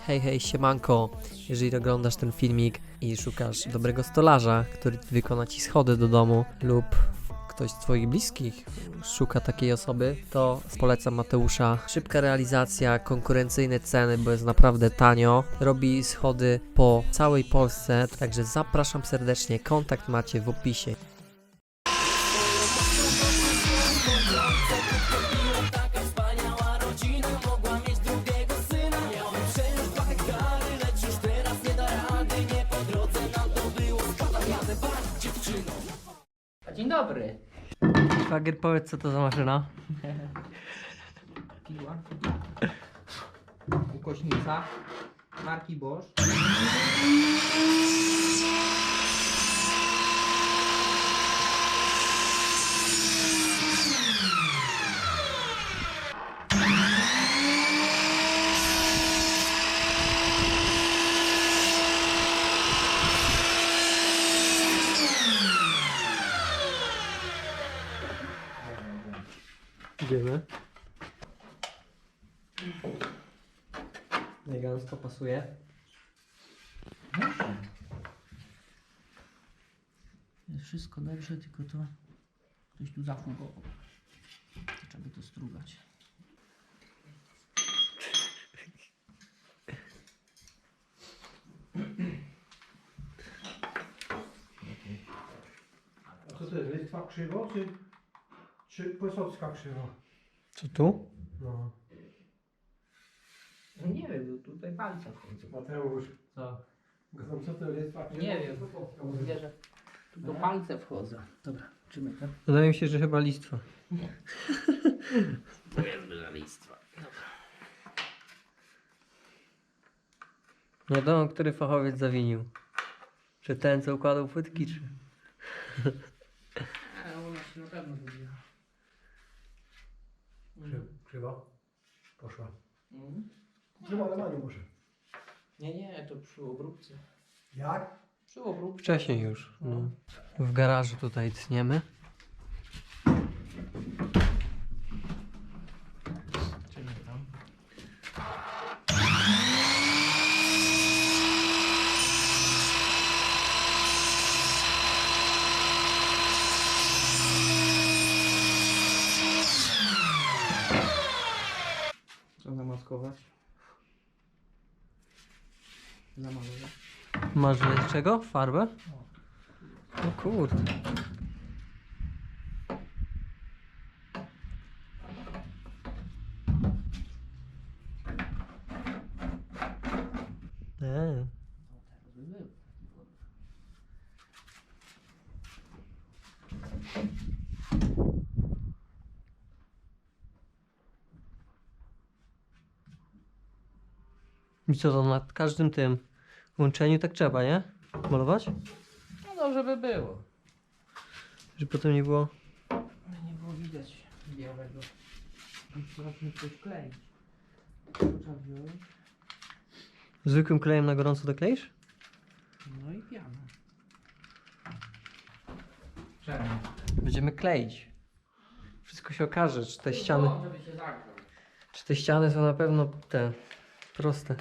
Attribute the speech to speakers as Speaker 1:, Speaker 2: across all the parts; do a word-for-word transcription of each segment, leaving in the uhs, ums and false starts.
Speaker 1: Hej, hej, siemanko. Jeżeli oglądasz ten filmik i szukasz dobrego stolarza, który wykona ci schody do domu, lub ktoś z twoich bliskich szuka takiej osoby, to polecam Mateusza. Szybka realizacja, konkurencyjne ceny, bo jest naprawdę tanio. Robi schody po całej Polsce, także zapraszam serdecznie. Kontakt macie w opisie.
Speaker 2: Dzień dobry.
Speaker 1: Szwagier, powiedz, co to za maszyna?
Speaker 2: Piła. Ukośnica. Marki Bosch.
Speaker 1: Idziemy. Elegancko pasuje.
Speaker 2: Jest wszystko dobrze, tylko to ktoś tu zafugował. To trzeba to strugać.
Speaker 3: A co to jest? Listwa krzywo czy, czy Posocka krzywo?
Speaker 1: Co tu?
Speaker 3: No.
Speaker 2: No nie wiem, bo tutaj palce wchodzą.
Speaker 3: Mateusz,
Speaker 2: Co?
Speaker 3: no co to jest Listwa krzywo?
Speaker 2: Nie wiem.
Speaker 3: Posocka.
Speaker 2: Mówię, że tu do palce wchodzą. Dobra, czymy ten.
Speaker 1: Wydaje mi się, że chyba listwa.
Speaker 2: To jest duża listwa.
Speaker 1: Nie wiadomo, który fachowiec zawinił. Czy ten, co układał płytki, czy...
Speaker 2: Ale ona się na pewno wybiła.
Speaker 3: Krzy, krzywo? Poszła.
Speaker 2: Mhm.
Speaker 3: Krzywo, ale ma nie muszę.
Speaker 2: Nie, nie, to przy obróbce.
Speaker 3: Jak?
Speaker 2: Przy obróbce.
Speaker 1: Wcześniej już. No. W garażu tutaj tniemy.
Speaker 2: Czymy tam. Co zamaskować? Zamalować.
Speaker 1: Masz z czego? Farbę? O kurde. Eee. I co to nad każdym tym łączeniu tak trzeba, nie? Malować?
Speaker 2: No dobrze by było.
Speaker 1: Żeby potem nie było.
Speaker 2: Nie było widać białego. Trzeba mi coś kleić. Trzeba wziąć.
Speaker 1: Zwykłym klejem na gorąco dokleisz?
Speaker 2: No i piana. Czemu?
Speaker 1: Będziemy kleić. Wszystko się okaże, czy te ściany,
Speaker 2: Żeby się zagrzał.
Speaker 1: czy te ściany są na pewno te proste.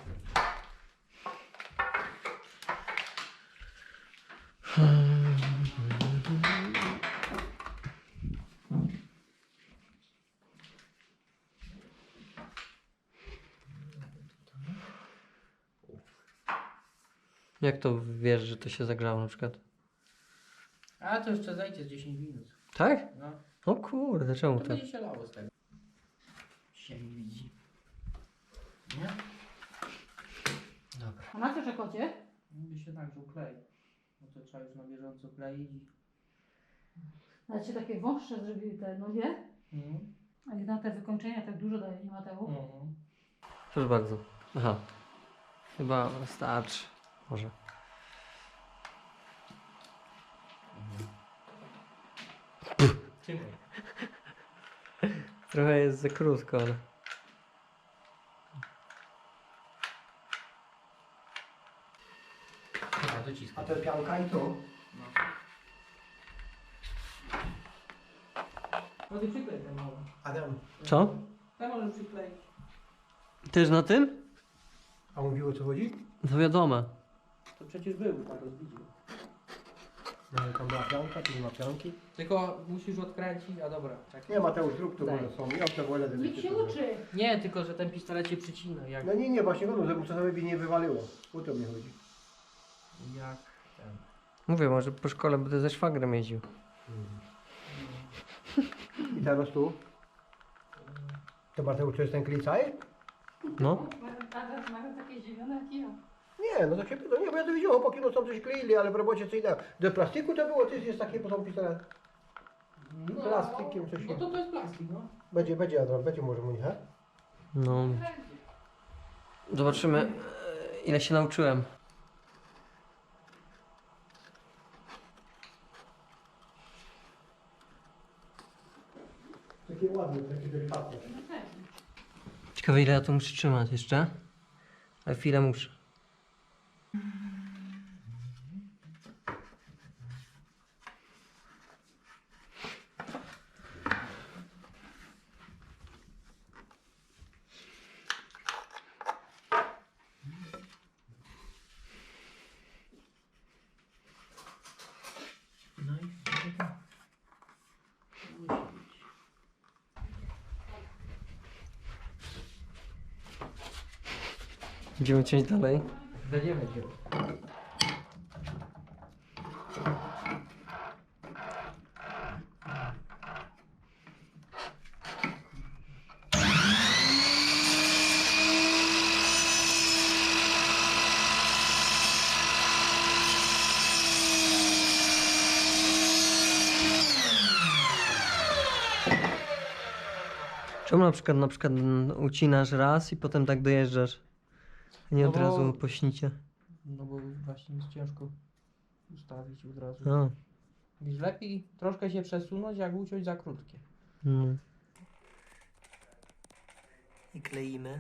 Speaker 1: Jak to wiesz, że to się zagrzało na przykład?
Speaker 2: A to jeszcze zajdzie z dziesięć minut.
Speaker 1: Tak?
Speaker 2: No.
Speaker 1: O kurde, czemu
Speaker 2: To
Speaker 1: tak?
Speaker 2: będzie się lało z tego. Się nie widzi. Nie? Dobra.
Speaker 4: A na co czekocie?
Speaker 2: Mówi się nagrzał klej. No to trzeba już na bieżąco kleić. i-
Speaker 4: Ale się takie wąższe zrobiły te nogie,
Speaker 2: Mhm.
Speaker 4: a jednak te wykończenia tak dużo daje, nie Mateusz?
Speaker 2: Mhm.
Speaker 1: Proszę bardzo. Aha. Chyba starczy. Może.
Speaker 2: Czekaj.
Speaker 1: Trochę jest za krótko, ale...
Speaker 2: Dobra, dociskaj.
Speaker 3: A to pianka i to?
Speaker 2: No. No ty przyklej ten mały.
Speaker 3: Adam,
Speaker 1: Co?
Speaker 2: Ja może przykleić.
Speaker 1: Też na tym?
Speaker 3: A mówił o co chodzi?
Speaker 1: To wiadomo.
Speaker 2: To przecież był na rozbiciu.
Speaker 3: No ale tam była pianka, tu nie ma pianki.
Speaker 2: Tylko musisz odkręcić, a dobra, czekaj.
Speaker 3: Nie, Mateusz, zrób to,
Speaker 2: Daj.
Speaker 3: bo są. Ja to wolę, żeby
Speaker 4: Niech się uczy.
Speaker 2: Nie, tylko że ten pistolet się przycina, jak...
Speaker 3: No nie, nie, właśnie no, żeby czasami by nie wywaliło. O to mi chodzi.
Speaker 2: jak ten...
Speaker 1: Mówię, może po szkole będę ze szwagrem jeździł.
Speaker 3: I teraz tu? To Mateusz, to jest ten klicaj?
Speaker 1: No.
Speaker 4: Mają, mają takie zdziwione jak ja.
Speaker 3: Nie, no to się pyta, nie, bo ja to widziałem, chłopaki no tam coś kleili, ale w robocie co innego. Do plastiku to było, to jest, jest takie potem pistolet.
Speaker 2: No,
Speaker 3: Plastikiem coś
Speaker 2: No
Speaker 3: się-
Speaker 2: to to jest plastik, no.
Speaker 3: Będzie, będzie Adrian, będzie może mu nie, he?
Speaker 1: No. Zobaczymy, e, ile się nauczyłem.
Speaker 3: Takie ładne, takie delikatne.
Speaker 1: Ciekawe, ile ja to muszę trzymać jeszcze. Ale chwilę muszę.
Speaker 2: No i tak.
Speaker 1: Będziemy ciąć dalej.
Speaker 2: Będziemy cię.
Speaker 1: Czemu na przykład, na przykład mm, ucinasz raz i potem tak dojeżdżasz? A nie
Speaker 2: No
Speaker 1: od
Speaker 2: bo-
Speaker 1: razu po śnicie.
Speaker 2: No bo właśnie jest ciężko ustawić od razu.
Speaker 1: A,
Speaker 2: Więc lepiej troszkę się przesunąć, jak uciąć za krótkie.
Speaker 1: no. I kleimy.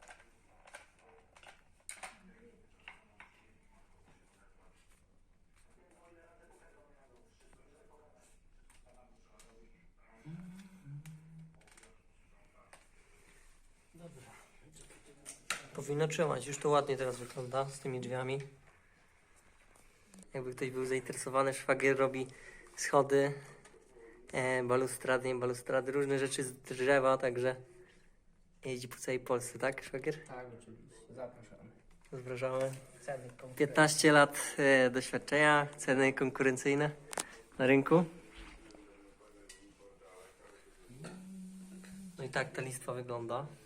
Speaker 1: Powinno trzymać, już to ładnie teraz wygląda z tymi drzwiami. Jakby ktoś był zainteresowany, szwagier robi schody, e, balustrady, nie balustrady, różne rzeczy z drzewa, także jeździ po całej Polsce, tak szwagier?
Speaker 2: Tak, oczywiście. Zapraszamy.
Speaker 1: Zapraszamy.
Speaker 2: Ceny konkretne.
Speaker 1: piętnaście lat e, doświadczenia, ceny konkurencyjne na rynku. No i tak ta listwa wygląda.